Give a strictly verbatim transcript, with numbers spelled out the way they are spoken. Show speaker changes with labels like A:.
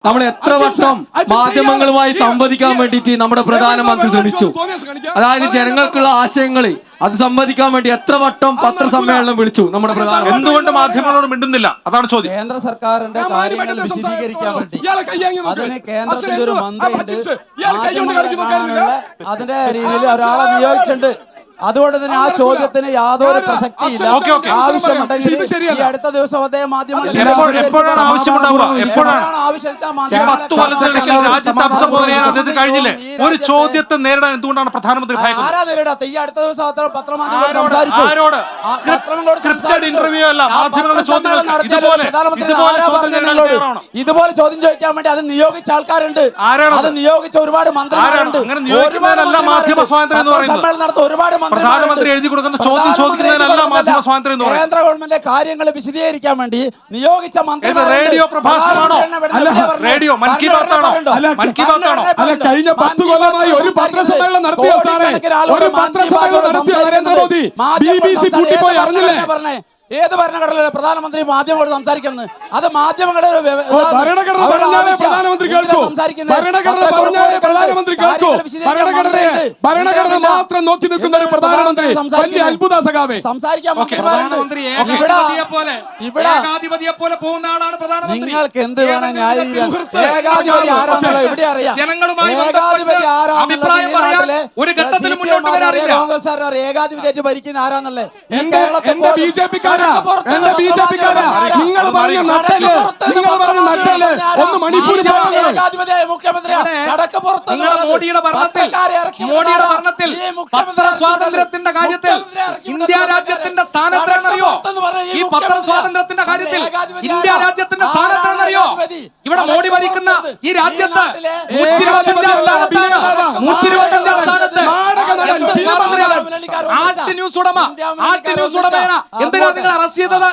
A: നമ്മൾ എത്ര വട്ടം മാധ്യമങ്ങളുമായി സംവദിക്കാൻ വേണ്ടിയിട്ട് നമ്മുടെ പ്രധാനമന്ത്രി ശ്രമിച്ചു. അതായത് ജനങ്ങൾക്കുള്ള ആശയങ്ങൾ അത് സംവദിക്കാൻ വേണ്ടി എത്ര വട്ടം പത്രസമ്മേളനം വിളിച്ചു നമ്മുടെ പ്രധാനമന്ത്രി.
B: എന്തുകൊണ്ട് മാധ്യമങ്ങളോട് മിണ്ടുന്നില്ല? അതാണ് ചോദ്യം.
C: കേന്ദ്ര സർക്കാരിന്റെ കാര്യങ്ങൾ വിശദീകരിക്കാൻ വേണ്ടി അതിന് കേന്ദ്രത്തിന്റെ ഒരു മന്ത്രിയുണ്ട്, അതിന്റെ രീതിയിൽ ഒരാളെ നിയോഗിച്ചിട്ടുണ്ട്. അതുകൊണ്ട് തന്നെ ആ ചോദ്യത്തിന് യാതൊരു പ്രസക്തിയില്ല. ആവശ്യമുണ്ടെങ്കിൽ ഈ അടുത്ത ദിവസം അദ്ദേഹം
B: എപ്പോഴാണ് ആവശ്യമുണ്ടാവുക? എപ്പോഴാണ് രാജ്യത്തെ അഭിസംബോധന ചെയ്യാൻ അദ്ദേഹത്തിന് കഴിഞ്ഞില്ലേ? ഒരു ചോദ്യത്തെ നേരിടാൻ എന്തുകൊണ്ടാണ് പ്രധാനമന്ത്രി
C: ആരാ നേരിടാത്ത? ഈ അടുത്ത ദിവസം പത്രമാധ്യമങ്ങൾ സംസാരിച്ചു.
B: ഇന്റർവ്യൂ അല്ല, മാധ്യമങ്ങളുടെ
C: ഇതുപോലെ ചോദ്യം ചോദിക്കാൻ വേണ്ടി അത് നിയോഗിച്ച ആൾക്കാരുണ്ട്, അത് നിയോഗിച്ച ഒരുപാട് മന്ത്രിമാരുണ്ട്.
B: മാധ്യമ സ്വാതന്ത്ര്യം എന്ന് പറയുന്നത്
C: നടത്ത ഒരുപാട്
B: പ്രധാനമന്ത്രി എഴുതി കൊടുക്കുന്ന ചോദ്യം ചോദിക്കുന്നതിനല്ല മാധ്യമ സ്വാതന്ത്ര്യം എന്ന് പറയുന്നത്.
C: കേന്ദ്ര ഗവൺമെന്റിന്റെ കാര്യങ്ങൾ വിശദീകരിക്കാൻ വേണ്ടി നിയോഗിച്ച മന്ത്രിമാർ.
B: റേഡിയോ പ്രഭാഷണമാണോ? റേഡിയോ മൻ കി ബാത്ത് ആണോ? മൻ കി ബാത്ത് ആണോ?
D: അല്ല, കഴിഞ്ഞ പത്ത് കൊല്ലമായി ഒരു പത്രസമ്മേളനം നടത്തിയ സാറേ, ഒരു പത്രസമ്മേളനം നടത്തിയ നരേന്ദ്രമോദി ബി ബി സി പൂട്ടിപ്പോയി അറിഞ്ഞില്ലേ?
C: ഏത് ഭരണഘടനയിലെ പ്രധാനമന്ത്രി മാധ്യമങ്ങളോട് സംസാരിക്കുന്നത്? അത് മാധ്യമങ്ങളുടെ
D: ഭരണഘടന പറഞ്ഞാലേ പ്രധാനമന്ത്രി കേൾക്കൂ. ഭരണഘടന പറഞ്ഞാലേ പ്രധാനമന്ത്രി കേൾക്കൂ. ഭരണഘടനയെ ഭരണഘടന മാത്രം നോക്കി നിൽക്കുന്ന ഒരു പ്രധാനമന്ത്രി വലിയ അത്ഭുത സഖാവേ.
C: സംസാരിക്കാൻ നിങ്ങൾക്ക് എന്ത് വേണം ന്യായീകരിക്കാൻ? ഏകാധിപതി ആരാന്നുള്ള ഇവിടെ അറിയാം. ഏകാധിപതി ആരാന്നുള്ള കോൺഗ്രസ് ഏകാധിപതിയായിട്ട് ഭരിക്കുന്ന ആരാന്നുള്ളത്
D: ബി ജെ പി നിങ്ങൾ പറഞ്ഞ നട്ടല് നിങ്ങൾ പറഞ്ഞ നട്ടല് ഒന്ന് മണിപ്പൂർ
E: മോഡിയുടെ ഭരണത്തിൽ മോഡിയുടെ ഭരണത്തിൽ പത്ര സ്വാതന്ത്ര്യത്തിന്റെ കാര്യത്തിൽ ഇന്ത്യ രാജ്യത്തിന്റെ സ്ഥാനത്താണെന്നറിയോ? ഈ പത്ര സ്വാതന്ത്ര്യത്തിന്റെ കാര്യത്തിൽ ഇന്ത്യ രാജ്യത്തിന്റെ സ്ഥാനത്താണെന്നറിയോ? ഇവിടെ മോഡി ഭരിക്കുന്ന ഈ രാജ്യത്ത് നൂറ്റി ഇരുപത്തഞ്ചാം സ്ഥാനത്താണ്. നൂറ്റി ഇരുപത്തഞ്ചാം സ്ഥാനത്ത് ആർട്ട് ന്യൂസ് ഉടമ ആർട്ട് ന്യൂസ് ഉടമേന എന്തിനാ നിങ്ങൾ അറസ്റ്റ് ചെയ്തത്?